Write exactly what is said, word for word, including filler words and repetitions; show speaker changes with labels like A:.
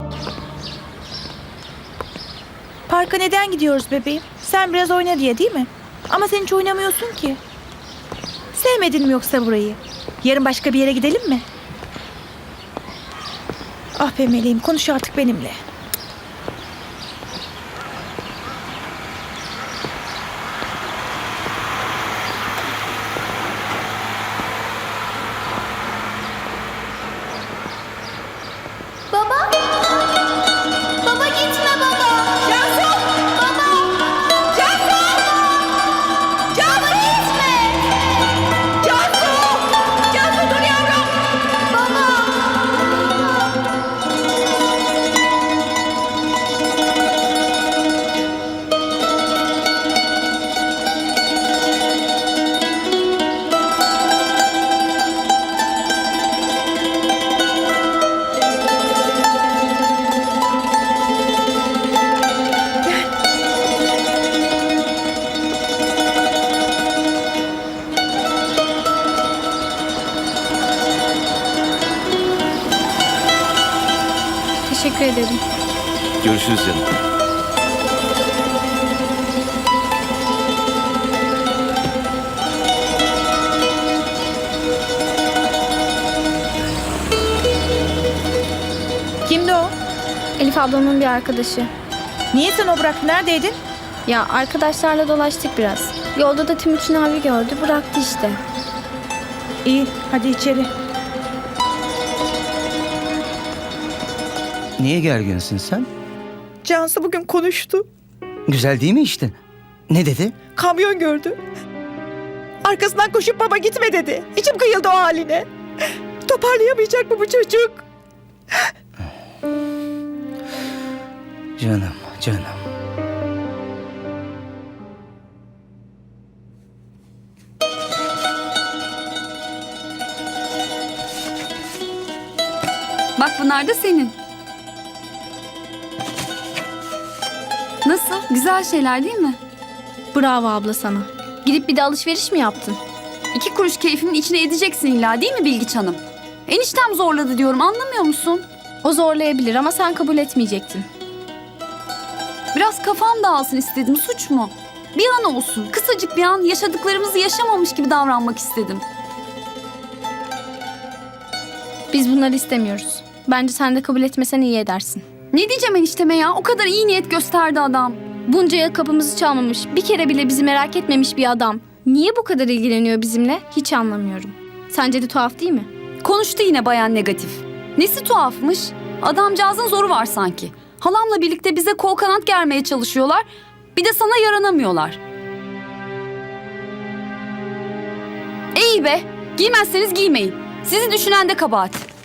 A: Parka neden gidiyoruz bebeğim? Sen biraz oyna diye değil mi? Ama sen hiç oynamıyorsun ki. Sevmedin mi yoksa burayı? Yarın başka bir yere gidelim mi? Ah be meleğim, konuş artık benimle.
B: Baba? Baba gitme baba. Cansu! Baba! Cansu! Cansu gitme! Cansu! Cansu dur yavrum! Baba!
C: Teşekkür ederim.
D: Görüşürüz canım.
A: Kimdi o?
C: Elif ablamın bir arkadaşı.
A: Niye sen o bıraktın? Neredeydin?
C: Ya arkadaşlarla dolaştık biraz. Yolda da Timuçin abi gördü, bıraktı işte.
A: İyi, hadi içeri.
E: Niye gerginsin sen?
A: Cansu bugün konuştu.
E: Güzel değil mi işte? Ne dedi?
A: Kamyon gördü. Arkasından koşup baba gitme dedi. İçim kıyıldı o haline. Toparlayamayacak mı bu çocuk?
E: Canım, canım.
F: Bak bunlar da senin. Nasıl? Güzel şeyler değil mi?
C: Bravo abla sana. Gidip bir de alışveriş mi yaptın?
F: İki kuruş keyfimin içine edeceksin illa değil mi Bilgiç Hanım? Eniştem zorladı diyorum, anlamıyor musun?
C: O zorlayabilir ama sen kabul etmeyecektin.
F: Biraz kafam dağılsın istedim, suç mu? Bir an olsun, kısacık bir an yaşadıklarımızı yaşamamış gibi davranmak istedim.
C: Biz bunları istemiyoruz. Bence sen de kabul etmesen iyi edersin.
F: Ne diyeceğim enişteme ya? O kadar iyi niyet gösterdi adam.
C: Bunca yıl kapımızı çalmamış, bir kere bile bizi merak etmemiş bir adam. Niye bu kadar ilgileniyor bizimle? Hiç anlamıyorum. Sence de tuhaf değil mi?
F: Konuştu yine bayan negatif. Nesi tuhafmış? Adamcağızın zoru var sanki. Halamla birlikte bize kol kanat germeye çalışıyorlar. Bir de sana yaranamıyorlar. İyi be. Giymezseniz giymeyin. Sizi düşünen de kabahat.